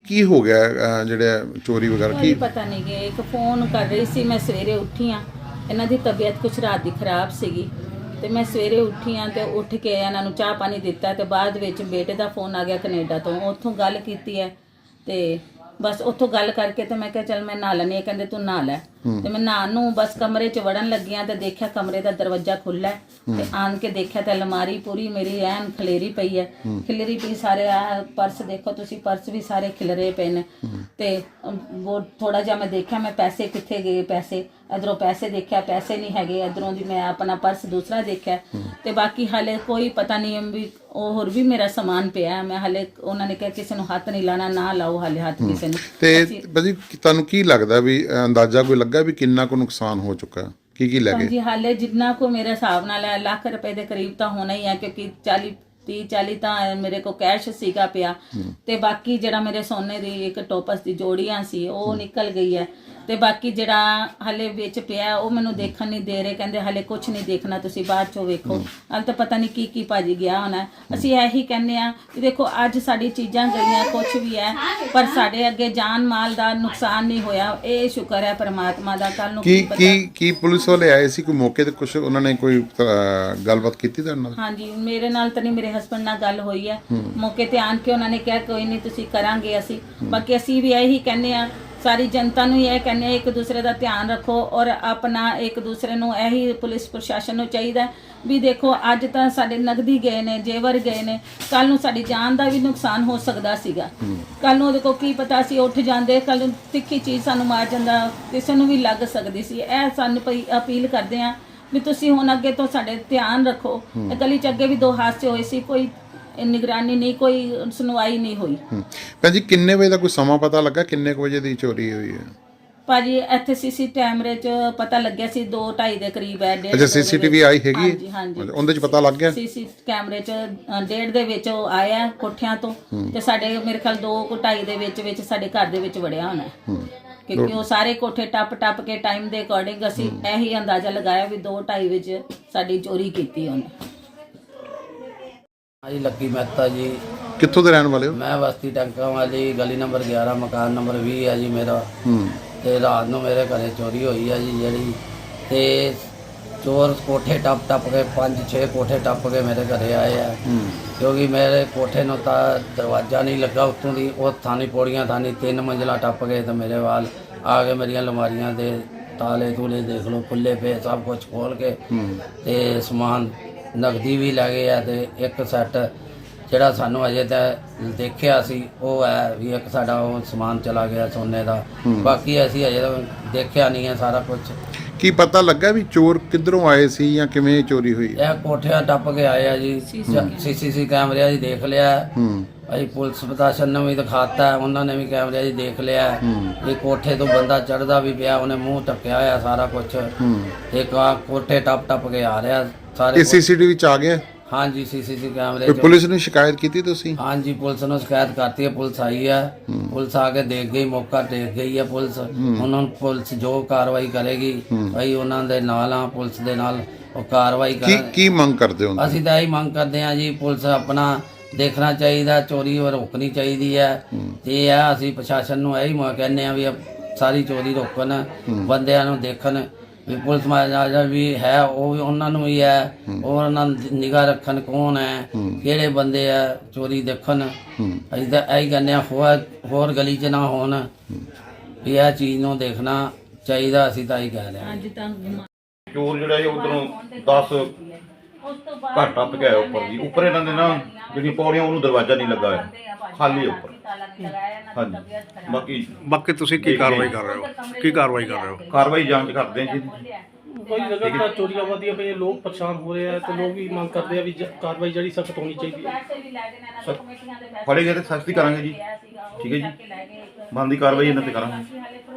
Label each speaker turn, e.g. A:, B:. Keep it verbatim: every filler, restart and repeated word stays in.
A: ਕੀ ਹੋ ਗਿਆ ਅਹ, ਜਿਹੜੇ ਚੋਰੀ ਵਗੈरह
B: ਕੀ
A: ਕੀ
B: ਪਤਾ नहीं कि एक फ़ोन कर रही सी मैं सवेरे उठी हाँ इन्हों की तबीयत कुछ रात की खराब सीगी तो मैं सवेरे उठी हाँ तो उठ के इन्हों चाह पानी दिता तो बाद विच बेटे का फोन आ गया कनेडा तो उत्थों गल की है तो बस उत्थों गल करके तो मैं क्या चल मैं नहा लैनी कहते तू नहा लै तो मैं नहान नूं बस कमरे च वड़न लगी हाँ तो देखा कमरे का दरवाजा खुला है तो आन के देखा तो अलमारी पूरी मेरी ऐन खलेरी पई है खिलरी पई सारे आ पर्स देखो तुसी पर्स भी सारे खिलरे पे ने ते वो थोड़ा जा मैं देखा मैं पैसे कित्थे गए पैसे इधरों पैसे देखा पैसे नहीं हैगे इधरों दी मैं अपना पर्स दूसरा देखा ते बाकी हाले कोई पता नहीं भी होर भी मेरा समान पिया है मैं हाले उन्होंने कहा किसी को हाथ नहीं लाना ना लाओ हाले हाथ किसी ने
A: ਤੇ ਭਾਜੀ ਤੁਹਾਨੂੰ ਕੀ ਲੱਗਦਾ ਵੀ ਅਹ, ਅੰਦਾਜ਼ਾ ਕੋਈ ਲੱਗਾ ਵੀ ਕਿੰਨਾ ਕੁ ਨੁਕਸਾਨ ਹੋ ਚੁੱਕਾ ਕੀ ਕੀ ਲੈ ਗਏ
B: जी हाले जिन्ना को मेरे हिसाब नाल है लाख रुपए के करीब तो होना ही है क्योंकि चाली तीह चाली तो मेरे को कैश सीगा पिया ते बाकी जरा मेरे सोने की एक टोपस की जोड़ियां सी वो निकल गई है ते बाकी जरा हले विच पिया वो मैनू देखन नहीं दे रहे कहंदे हले कुछ नहीं देखना तुसी बाद चो वेखो हल तो पता नहीं की की भाजी गया होना असीं यही कहने आ कि देखो अज साडी चीज़ां गईयां कुछ भी है पर साडे अगे जान माल का नुकसान नहीं होया ये शुक्र है परमात्मा का कल नूं
A: ਕੀ
B: की
A: ਕੀ
B: पता
A: ਕੀ ਪੁਲਿਸ ਵਾਲੇ ਆਏ ਸੀ ਕੋਈ ਮੌਕੇ ਤੇ ਕੁਝ ਉਹਨਾਂ ਨੇ ਕੋਈ ਅਹ, ਗੱਲਬਾਤ ਕੀਤੀ ਤੁਹਾਡੇ ਨਾਲ
B: हाँ जी मेरे नाल तो नहीं मेरे हस्बैंड नाल गल हुई है मौके ते आन के उन्होंने कहा कोई नहीं तुसी करांगे असी बाकी असी भी यही कहने आ सारी जनता नूं यह कहने एक दूसरे का ध्यान रखो और अपना एक दूसरे नूं यही पुलिस प्रशासन नूं चाहिदा भी देखो अज तो साडे नगदी गए ने जेवर गए ने कल नूं साडी जान का भी नुकसान हो सकदा सीगा कल नूं देखो की पता असीं उठ जांदे कल नूं तिखी चीज़ सानूं मार जांदा किसी नूं भी लग सकदी सी ਇਹ सानूं पई अपील करदे आ भी तुसी हुण अगे तो साडे ध्यान रखो गली च अगे भी दो हादसे होए सी कोई निगरानी नहीं कोई सुनवाई नहीं हुई
A: ਹੂੰ। ਭੈਣ ਜੀ ਕਿੰਨੇ ਵਜੇ ਦਾ ਕੋਈ ਸਮਾਂ ਪਤਾ ਲੱਗਾ ਕਿੰਨੇ ਕੁ ਵਜੇ ਦੀ ਚੋਰੀ ਹੋਈ ਹੈ
B: ਭਾਜੀ ਇੱਥੇ ਸੀਸੀ ਕੈਮਰੇ 'ਚ ਪਤਾ ਲੱਗਿਆ ਸੀ ਦੋ ਢਾਈ ਦੇ ਕਰੀਬ ਹੈ ਡੇਢ
A: ਅੱਛਾ ਸੀਸੀਟੀਵੀ ਆਈ ਹੈਗੀ
B: ਹਾਂਜੀ ਹਾਂਜੀ
A: ਹੈ? ਉਹਦੇ ਚ ਪਤਾ ਲੱਗ ਗਿਆ
B: ਸੀਸੀ ਕੈਮਰੇ 'ਚ ਅ, ਡੇਢ ਦੇ ਵਿੱਚ ਉਹ ਆਇਆ ਕੋਠਿਆਂ ਤੋਂ ਤੇ ਸਾਡੇ ਮੇਰੇ ਖਿਆਲ ਦੋ ਕੁ ਢਾਈ ਦੇ ਵਿੱਚ ਵਿੱਚ ਸਾਡੇ ਘਰ ਦੇ ਵਿੱਚ ਵੜਿਆ ਹੋਣਾ ਹੈ। ਕਿਉਂਕਿ ਉਹ ਸਾਰੇ ਕੋਠੇ ਟੱਪ ਟੱਪ ਕੇ ਟਾਈਮ ਦੇ ਅਕੋਰਡਿੰਗ ਅਸੀਂ ਇਹੀ ਅੰਦਾਜ਼ਾ ਲਗਾਇਆ ਵੀ ਦੋ ਢਾਈ ਵਿੱਚ ਸਾਡੀ ਚੋਰੀ ਕੀਤੀ ਉਹਨੇ।
C: जी लक्की मेहता जी
A: ਕਿੱਥੋਂ ਦੇ ਰਹਿਣ ਵਾਲੇ ਹੋ
C: मैं बस्ती टंका वाली गली नंबर ग्यारह मकान नंबर भी है जी मेरा
A: ਹੂੰ
C: ते रात नूं मेरे घरे चोरी हुई है जी जड़ी ते चोर कोठे टप टप के पाँच छे कोठे टप के मेरे घरे आए हैं
A: ਹੂੰ
C: क्योंकि मेरे कोठे नूं तां दरवाजा नहीं लगा उत्तों दी वो थानी पौड़ियां थानी तीन मंजिला टप गए तो मेरे वाल आ गए मेरिया लमारियां दे ताले तूले देख लो खुले पे सब कुछ खोल के ते समान नगदी भी लै गए है ते एक सैट ਜਿਹੜਾ ਸਾਨੂੰ ਅਜੇ ਤਾਂ ਦੇਖਿਆ ਸੀ ਉਹ ਹੈ ਵੀ ਇੱਕ ਸਾਡਾ ਉਹ ਸਮਾਨ ਚਲਾ ਗਿਆ ਸੋਨੇ ਦਾ ਬਾਕੀ ਅਸੀਂ ਅਜੇ ਤਾਂ ਦੇਖਿਆ ਨਹੀਂ ਹੈ ਸਾਰਾ ਕੁਝ
A: ਕੀ ਪਤਾ ਲੱਗਾ ਵੀ ਚੋਰ ਕਿੱਧਰੋਂ ਆਏ ਸੀ ਜਾਂ ਕਿਵੇਂ ਚੋਰੀ ਹੋਈ
C: ਇਹ ਕੋਠਿਆਂ ਟੱਪ ਕੇ ਆਏ ਆ ਜੀ ਸੀਸੀਸੀ ਕੈਮਰਿਆਂ 'ਚ ਦੇਖ ਲਿਆ
A: ਹੂੰ
C: ਅਸੀਂ ਪੁਲਿਸ ਪ੍ਰਸ਼ਾਸਨ ਨੂੰ ਵੀ ਦਿਖਾਤਾ ਉਹਨਾਂ ਨੇ ਵੀ ਕੈਮਰਿਆਂ 'ਚ ਦੇਖ ਲਿਆ ਇਹ ਕੋਠੇ ਤੋਂ ਬੰਦਾ ਚੜਦਾ ਵੀ ਪਿਆ ਉਹਨੇ ਮੂੰਹ ਢੱਕਿਆ ਹੋਇਆ ਸਾਰਾ ਕੁਝ ਤੇ ਕਾ ਕੋਠੇ ਟੱਪ ਟੱਪ ਕੇ ਆ ਰਿਹਾ ਸਾਰੇ
A: ਇਹ ਸੀਸੀਟੀਵੀ ਚ ਆ ਗਿਆ
C: हाँ जी सीसीटीवी कैमरे
A: ਕੋਈ ਪੁਲਿਸ ਨੂੰ ਸ਼ਿਕਾਇਤ ਕੀਤੀ ਤੁਸੀਂ
C: हाँ जी पुलिस ने शिकायत करती है पुलिस आई है पुलिस आके देख गई मौका देख गई है पुलिस उन्होंने पुलिस जो कार्रवाई करेगी भाई उन्होंने नाल हाँ पुलिस के नाल वो कार्रवाई
A: ਕੀ
C: कर
A: ਕੀ ਮੰਗ ਕਰਦੇ ਹੋ
C: ਅਸੀਂ ਤਾਂ ਇਹੀ ਮੰਗ ਕਰਦੇ ਹਾਂ ਜੀ ਪੁਲਿਸ ਆਪਣਾ ਦੇਖਣਾ ਚਾਹੀਦਾ ਚੋਰੀ ਰੋਕਣੀ ਚਾਹੀਦੀ ਹੈ ਤੇ ਇਹ ਆ ਅਸੀਂ ਪ੍ਰਸ਼ਾਸਨ ਨੂੰ ਇਹੀ ਮ ਕਹਿੰਦੇ ਆ ਵੀ ਸਾਰੀ ਚੋਰੀ ਰੋਕਣ ਬੰਦਿਆਂ ਨੂੰ ਦੇਖਣ ਵੀ ਪੁਲਿਸ ਮਹਾਰਾਜਾ ਵੀ ਹੈ ਉਹ ਵੀ ਉਹਨਾਂ ਨੂੰ ਵੀ ਹੈ ਉਹ ਉਹਨਾਂ ਨਿਗਾਹ ਰੱਖਣ ਕੌਣ ਹੈ ਕਿਹੜੇ ਬੰਦੇ ਆ ਚੋਰੀ ਦੇਖਣ ਅਸੀਂ ਤਾਂ ਇਹੀ ਕਹਿੰਦੇ ਆ ਹੋਰ ਹੋਰ ਗਲੀ 'ਚ ਨਾ ਹੋਣ ਵੀ ਇਹ ਚੀਜ਼ ਨੂੰ ਦੇਖਣਾ ਚਾਹੀਦਾ ਅਸੀਂ ਤਾਂ ਇਹੀ ਕਹਿ ਰਹੇ ਹਾਂ
B: ਅੱਜ ਤਾਂ
D: ਚੋਰ ਜਿਹੜਾ ਹੈ ਉਧਰੋਂ ਦਸ ਘਰ ਟੱਪ ਕੇ ਆਇਆ ਉੱਪਰ ਜੀ ਉੱਪਰ ਇਹਨਾਂ ਦੇ ਨਾ ਜਿਹੜੀਆਂ ਪੌੜੀਆਂ ਉਹਨੂੰ ਦਰਵਾਜ਼ਾ ਨਹੀਂ ਲੱਗਾ ਹੋਇਆ ਖਾਲੀ ਹੈ ਉੱਪਰ ਹਾਂਜੀ ਬਾਕੀ
E: ਬਾਕੀ ਤੁਸੀਂ ਕੀ ਕਾਰਵਾਈ ਕਰ ਰਹੇ ਹੋ ਕੀ ਕਾਰਵਾਈ ਕਰ ਰਹੇ ਹੋ
D: ਕਾਰਵਾਈ ਜਾਂਚ ਕਰਦੇ ਹਾਂ ਜੀ
F: ਕੋਈ ਲਗਾਤਾਰ ਚੋਰੀਆਂ ਵਧੀਆਂ ਪਈਆਂ ਲੋਕ ਪਰੇਸ਼ਾਨ ਹੋ ਰਹੇ ਆ ਤੇ ਲੋਕ ਵੀ ਮੰਗ ਕਰਦੇ ਆ ਵੀ ਜ- ਕਾਰਵਾਈ ਜਿਹੜੀ ਸਖਤ ਹੋਣੀ ਚਾਹੀਦੀ ਹੈ
D: ਫੜੇ ਗਏ ਤੇ ਸਖਤੀ ਕਰਾਂਗੇ ਜੀ ਠੀਕ ਹੈ ਜੀ ਬਣਦੀ ਕਾਰਵਾਈ ਇਹਨਾਂ ਤੇ ਕਰਾਂਗੇ